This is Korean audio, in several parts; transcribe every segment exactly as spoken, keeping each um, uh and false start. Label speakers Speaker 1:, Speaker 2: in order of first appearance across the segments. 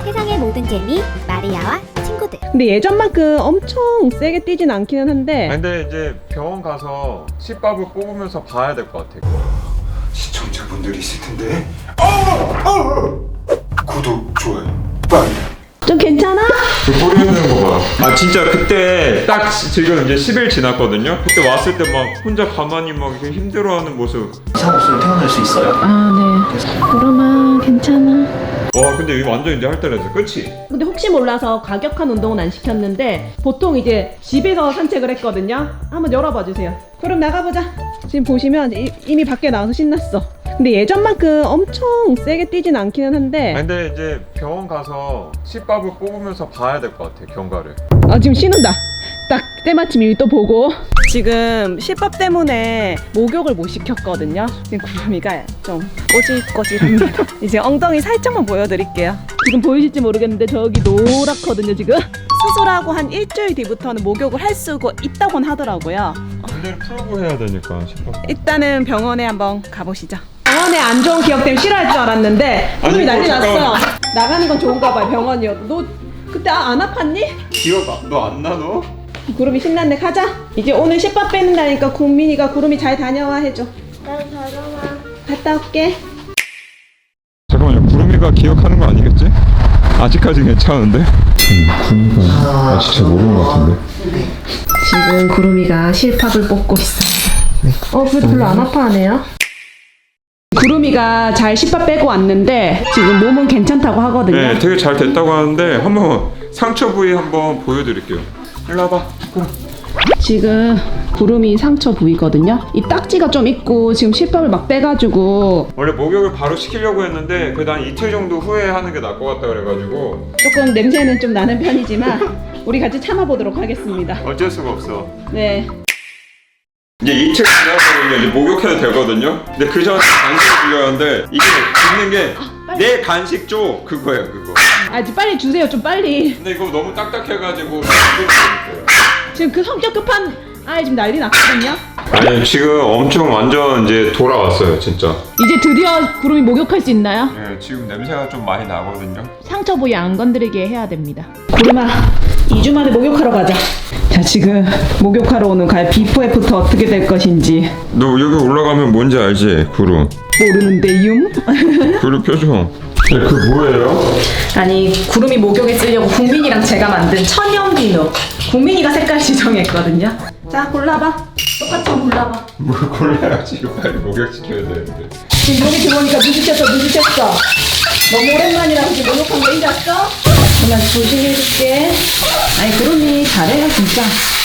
Speaker 1: 세상의 모든 재미 마리아와 친구들.
Speaker 2: 근데 예전만큼 엄청 세게 뛰진 않기는 한데
Speaker 3: 아니, 근데 이제 병원 가서 씨밥을 뽑으면서 봐야 될 것 같아.
Speaker 4: 시청자분들이 있을 텐데. 어! 어! 구독, 좋아요, 빨리.
Speaker 2: 좀 괜찮아?
Speaker 3: 그 꼬리 흔드는 거 봐. 아 진짜 그때 딱 지금 이제 십 일 지났거든요. 그때 왔을 때 막 혼자 가만히 막 이렇게 힘들어하는 모습.
Speaker 4: 이상 없으면 태어날 수 있어요?
Speaker 2: 아 네. 구름아 괜찮아.
Speaker 3: 와 근데 이거 완전 이제 할 때라서 그치?
Speaker 2: 근데 혹시 몰라서 과격한 운동은 안 시켰는데 보통 이제 집에서 산책을 했거든요. 한번 열어봐 주세요. 그럼 나가보자. 지금 보시면 이, 이미 밖에 나와서 신났어. 근데 예전만큼 엄청 세게 뛰진 않기는 한데
Speaker 3: 아니, 근데 이제 병원 가서 씨밥을 뽑으면서 봐야 될 것 같아 경과를.
Speaker 2: 아 지금 신는다. 딱 때마침 이미 또 보고 지금 실밥 때문에 목욕을 못 시켰거든요. 지금 구름이가 좀 꼬질꼬질합니다. 이제 엉덩이 살짝만 보여드릴게요. 지금 보이실지 모르겠는데 저기 노랗거든요 지금. 수술하고 한 일주일 뒤부터는 목욕을 할 수가 있다곤 하더라고요.
Speaker 3: 근데 풀고 해야 되니까 씨밥.
Speaker 2: 일단은 병원에 한번 가보시죠. 병원에 안 좋은 기억 때문에 싫어할 줄 알았는데 구름이
Speaker 3: 아니,
Speaker 2: 난리
Speaker 3: 뭐,
Speaker 2: 났어.
Speaker 3: 잠깐만.
Speaker 2: 나가는 건 좋은가 봐요. 병원이어도. 너 그때 아, 안 아팠니?
Speaker 3: 기억 너 안 나 너?
Speaker 2: 구름이 신났네. 가자. 이제 오늘 씨밥 빼는다니까 국민이가 구름이 잘 다녀와 해줘.
Speaker 1: 난 다녀와.
Speaker 2: 갔다 올게.
Speaker 3: 잠깐만요. 구름이가 기억하는 거 아니겠지? 아직까지 괜찮은데? 구름이가 아 진짜 모르는 것 같은데.
Speaker 2: 지금 구름이가 실밥을 뽑고 있습니다. 어, 그래도 별로 안 아파하네요. 구름이가 잘 실밥 빼고 왔는데 지금 몸은 괜찮다고 하거든요.
Speaker 3: 네, 되게 잘 됐다고 하는데 한번 상처 부위 한번 보여드릴게요. 일로 와봐. 구름.
Speaker 2: 지금 구름이 상처 부위거든요. 이 딱지가 좀 있고 지금 실밥을 막 빼가지고
Speaker 3: 원래 목욕을 바로 시키려고 했는데 그래도 한 이틀 정도 후에 하는 게 나을 것 같다 그래가지고
Speaker 2: 조금 냄새는 좀 나는 편이지만 우리 같이 참아보도록 하겠습니다.
Speaker 3: 어쩔 수가 없어.
Speaker 2: 네.
Speaker 3: 이제 이틀 지나서 이제 목욕해도 되거든요. 근데 그 전에 간식을 주려고 하는데 이게 있는 게 내 간식 줘 그거예요 그거.
Speaker 2: 아, 이제 빨리 주세요. 좀 빨리.
Speaker 3: 근데 이거 너무 딱딱해가지고 힘들어요.
Speaker 2: 지금 그 성격 급한 아이 지금 난리 났거든요.
Speaker 3: 아니 지금 엄청 완전 이제 돌아왔어요 진짜.
Speaker 2: 이제 드디어 구름이 목욕할 수 있나요?
Speaker 3: 네, 지금 냄새가 좀 많이 나거든요.
Speaker 2: 상처 부위 안 건드리게 해야 됩니다. 구름아, 이 주 만에 목욕하러 가자. 자, 지금 목욕하러 오는 과연 비포 애프터 어떻게 될 것인지
Speaker 3: 너 여기 올라가면 뭔지 알지? 구름.
Speaker 2: 모르는데요.
Speaker 3: 구름 표정. 네, 그 뭐예요?
Speaker 2: 아니, 구름이 목욕에 쓰려고 국민이랑 제가 만든 천연 비누. 국민이가 색깔 지정했거든요. 자, 골라봐. 똑같이 골라봐.
Speaker 3: 뭘 골라야지 이거 빨리 목욕시켜야 되는데.
Speaker 2: 지금 여기 들어오니까 눈치챘어, 눈치챘어. 너무 오랜만이라서 지금 목욕한 거 잊었어? 그냥 조심히 해줄게. 아니, 구름이 잘해요, 진짜.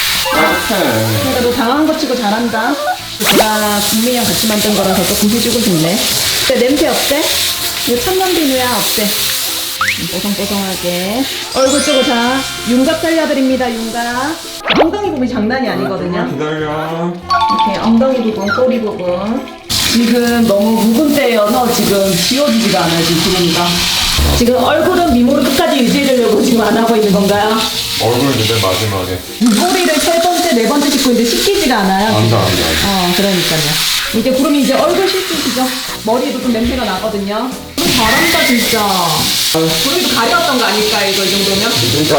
Speaker 2: 그러니까 너 당황한 거 치고 잘한다. 제가 국민이랑 같이 만든 거라서 조금 해주고 싶네. 근데 냄새 어때? 이거 천연 비누야, 어때? 뽀송뽀송하게. 얼굴 쪽으로 자, 윤곽 살려드립니다, 윤곽. 엉덩이 부분이 장난이 아니거든요.
Speaker 3: 기다려.
Speaker 2: 이렇게 엉덩이 부분, 꼬리 부분. 지금 너무 묵은 때여서 지금 지워지지가 않아요, 지금 구름이가. 지금 얼굴은 미모를 끝까지 유지해주려고 지금 안 하고 있는 건가요?
Speaker 3: 얼굴 이제 마지막에.
Speaker 2: 꼬리를 세 번째, 네 번째 씻고 있는데 씻기지가 않아요.
Speaker 3: 안다 안다.
Speaker 2: 어, 그러니까요. 이제 구름이 이제 얼굴 씻으시죠? 머리에도 좀 냄새가 나거든요. 구름 잘한다, 진짜. 구름이도 가려웠던 거 아닐까, 이거 이 정도면?
Speaker 3: 진짜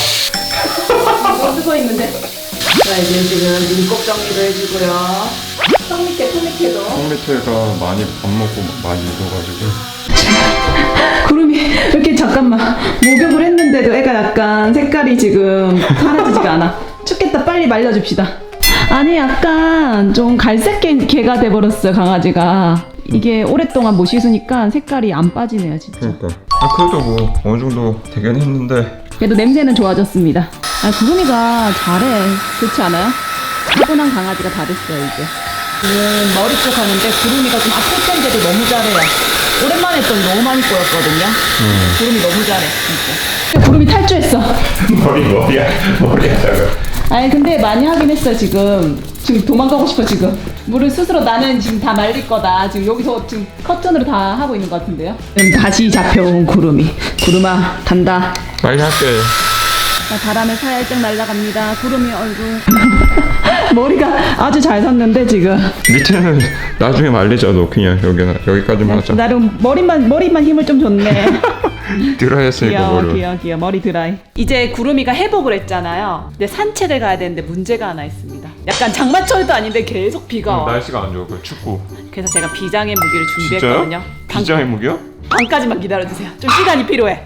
Speaker 3: 아마.
Speaker 2: 뭐 쓰고 있는데. 자, 이제 지금 눈곱 정리도 해주고요. 턱 밑에, 턱 밑에도.
Speaker 3: 손 밑에가 많이 밥 먹고 많이 익어가지고.
Speaker 2: 구름이 이렇게 잠깐만 목욕을 했는데도 애가 약간 색깔이 지금 사라지지가 않아. 춥겠다. 빨리 말려줍시다. 아니 약간 좀 갈색 개, 개가 돼버렸어요 강아지가. 이게 오랫동안 못 씻으니까 색깔이 안 빠지네요 진짜.
Speaker 3: 그러니까. 아 그래도 뭐 어느 정도 되긴 했는데.
Speaker 2: 그래도 냄새는 좋아졌습니다. 아 구름이가 잘해. 그렇지 않아요? 차분한 강아지가 다 됐어요 이제. 지금 머리 쪽 하는데 구름이가 좀 아플 텐데도 너무 잘해요. 오랜만에 했더니 너무 많이 꼬였거든요.
Speaker 3: 음.
Speaker 2: 구름이 너무 잘해 진짜. 구름이 탈주했어.
Speaker 3: 머리 머리야 머리에다가.
Speaker 2: 아니 근데 많이 하긴 했어 지금. 지금 도망가고 싶어 지금. 물을 스스로 나는 지금 다 말릴 거다. 지금 여기서 지금 커튼으로 다 하고 있는 것 같은데요. 지금 다시 잡혀온 구름이. 구름아 간다.
Speaker 3: 빨리 할게.
Speaker 2: 자, 바람에 살짝 날아갑니다. 구름이 얼굴. 머리가 아주 잘 섰는데 지금.
Speaker 3: 밑에는 나중에 말리자 너 그냥 여기나 여기까지만 하자.
Speaker 2: 나름 머리만 머리만 힘을 좀 줬네.
Speaker 3: 드라이했으니까
Speaker 2: 귀여워
Speaker 3: 머리.
Speaker 2: 귀여워 귀여워 머리 드라이. 이제 구름이가 회복을 했잖아요. 근데 산책을 가야 되는데 문제가 하나 있습니다. 약간 장마철도 아닌데 계속 비가 와.
Speaker 3: 날씨가 안 좋아. 그 춥고.
Speaker 2: 그래서 제가 비장의 무기를 준비했거든요. 방-
Speaker 3: 비장의 무기요?
Speaker 2: 방까지만 기다려주세요. 좀 시간이 필요해.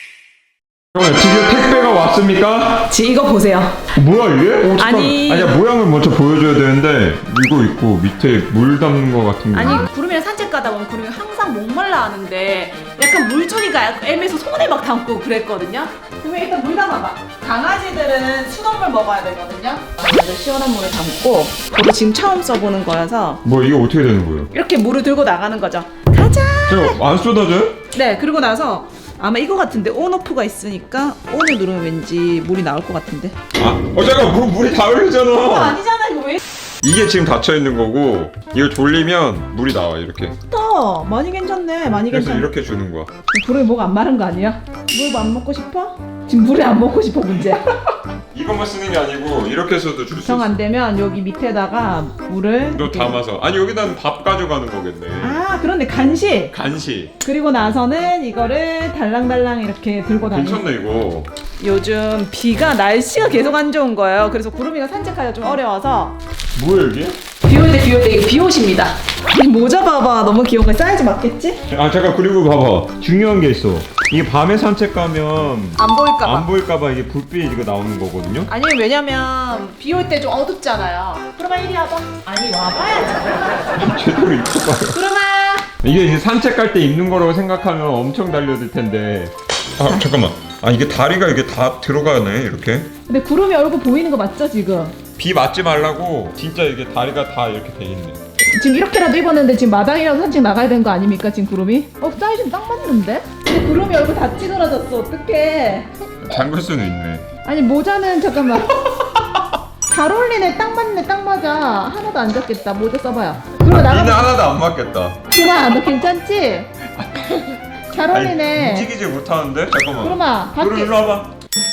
Speaker 3: 잠깐만, 드디어 택배가 왔습니까?
Speaker 2: 지 이거 보세요.
Speaker 3: 뭐야 이게? 어, 잠깐.
Speaker 2: 아니-
Speaker 3: 아니야, 모양을 먼저 보여줘야 되는데 이거 있고 밑에 물 담는 거 같은 거.
Speaker 2: 아니 구름이랑 산책 가다 보면 구름이 항상 목말라 하는데 약간 물주기가 애매해서 손에 막 담고 그랬거든요. 구름이 일단 물 담아봐. 강아지들은 수돗물 먹어야 되거든요. 먼저 시원한 물에 담고 저도 지금 처음 써보는 거여서
Speaker 3: 뭐 이게 어떻게 되는 거예요?
Speaker 2: 이렇게 물을 들고 나가는 거죠. 가자.
Speaker 3: 저 안 쏟아져요?
Speaker 2: 네, 그리고 나서 아마 이거 같은데 온오프가 있으니까 온을 누르면 왠지 물이 나올 것 같은데.
Speaker 3: 아, 어 잠깐 물 물이 다
Speaker 2: 그거
Speaker 3: 흘리잖아.
Speaker 2: 아니잖아 이거 왜?
Speaker 3: 이게 지금 닫혀 있는 거고 이거 돌리면 물이 나와 이렇게.
Speaker 2: 또 많이 괜찮네, 많이
Speaker 3: 그래서
Speaker 2: 괜찮네.
Speaker 3: 이렇게 주는 거야.
Speaker 2: 구름이 목 안 마른 거 아니야? 물 안 먹고 싶어? 지금 물을 안 먹고 싶어 문제.
Speaker 3: 이것만 쓰는 게 아니고 이렇게 해서도 줄 수
Speaker 2: 정
Speaker 3: 있어.
Speaker 2: 안 되면 여기 밑에다가 물을
Speaker 3: 너
Speaker 2: 이렇게-
Speaker 3: 담아서. 아니 여기다는 밥 가져가는 거겠네.
Speaker 2: 아 그런데 간식.
Speaker 3: 간식.
Speaker 2: 그리고 나서는 이거를 달랑달랑 이렇게 들고 다니.
Speaker 3: 괜찮네 이거.
Speaker 2: 요즘 비가 날씨가 계속 안 좋은 거예요. 그래서 구름이가 산책하기가 좀 어려워서
Speaker 3: 뭐야 이게?
Speaker 2: 비올 때 비올 때 이거 비옷입니다. 이 모자 봐봐 너무 귀여운 거 사이즈 맞겠지?
Speaker 3: 아 잠깐 그리고 봐봐 중요한 게 있어. 이게 밤에 산책 가면
Speaker 2: 안 보일까 봐.
Speaker 3: 안 보일까봐 이게 불빛 이거 나오는 거거든요.
Speaker 2: 아니 왜냐면 비 올 때 좀 어둡잖아요. 그러면 이리 와봐. 아니 와봐야지.
Speaker 3: 제대로 입혀봐요.
Speaker 2: 그러면
Speaker 3: 이게 이제 산책 갈 때 입는 거라고 생각하면 엄청 달려들 텐데. 아 잠깐만. 아 이게 다리가 이게 다 들어가네 이렇게.
Speaker 2: 근데 구름이 얼굴 보이는 거 맞죠 지금?
Speaker 3: 비 맞지 말라고 진짜 이게 다리가 다 이렇게 돼 있네.
Speaker 2: 지금 이렇게라도 입었는데 지금 마당이라도 산책 나가야 되는 거 아닙니까 지금 구름이? 어 사이즈는 딱 맞는데? 근데 구름이 얼굴 다 찌그러졌어 어떡해.
Speaker 3: 잠글 수는 있네.
Speaker 2: 아니 모자는 잠깐만. 잘 어울리네 딱 맞네 딱 맞아. 하나도 안 젖겠다. 모자 써봐요. 그러면
Speaker 3: 비는
Speaker 2: 나가.
Speaker 3: 하나도 안 맞겠다.
Speaker 2: 구름아 너 괜찮지? 잘
Speaker 3: 아니,
Speaker 2: 어울리네.
Speaker 3: 움직이지 못하는데? 잠깐만.
Speaker 2: 구름아
Speaker 3: 구름
Speaker 2: 밖에
Speaker 3: 일로 와봐.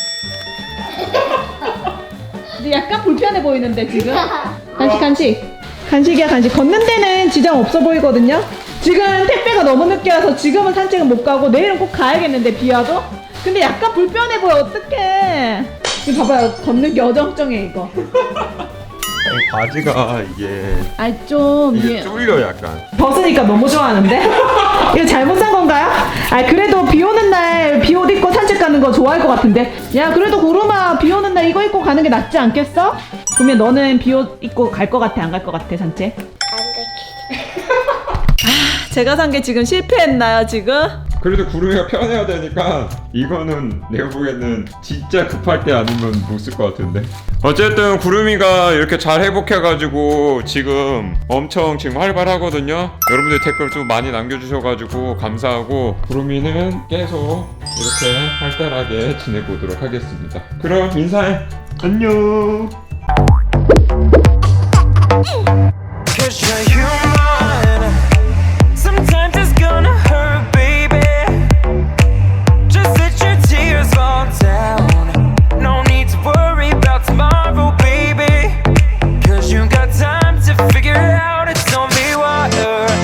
Speaker 2: 근데 약간 불편해 보이는데 지금. 간식 간식 간식이야 간식. 걷는 데는 지장 없어 보이거든요. 지금 택배가 너무 늦게 와서 지금은 산책은 못 가고 내일은 꼭 가야겠는데 비 와도. 근데 약간 불편해 보여 어떡해. 지금 봐봐요 걷는 게 어정쩡해 이거.
Speaker 3: 아니, 바지가 이게
Speaker 2: 아이 좀
Speaker 3: 이게
Speaker 2: 이게
Speaker 3: 쫄려 약간.
Speaker 2: 벗으니까 너무 좋아하는데? 이거 잘못 산 건가요? 아 그래도 비 오는 날 비 옷 입고 산책 가는 거 좋아할 것 같은데. 야 그래도 구름아 비 오는 날 이거 입고 가는 게 낫지 않겠어? 그러면 너는 비 옷 입고 갈 것 같아 안 갈 것 같아 산책? 아 제가 산 게 지금 실패했나요 지금?
Speaker 3: 그래도 구름이가 편해야 되니까 이거는 내가 보기에는 진짜 급할 때 아니면 못 쓸 것 같은데. 어쨌든 구름이가 이렇게 잘 회복해가지고 지금 엄청 지금 활발하거든요. 여러분들 댓글 좀 많이 남겨주셔가지고 감사하고 구름이는 계속 이렇게 활달하게 지내보도록 하겠습니다. 그럼 인사해. 안녕.
Speaker 5: Cause you're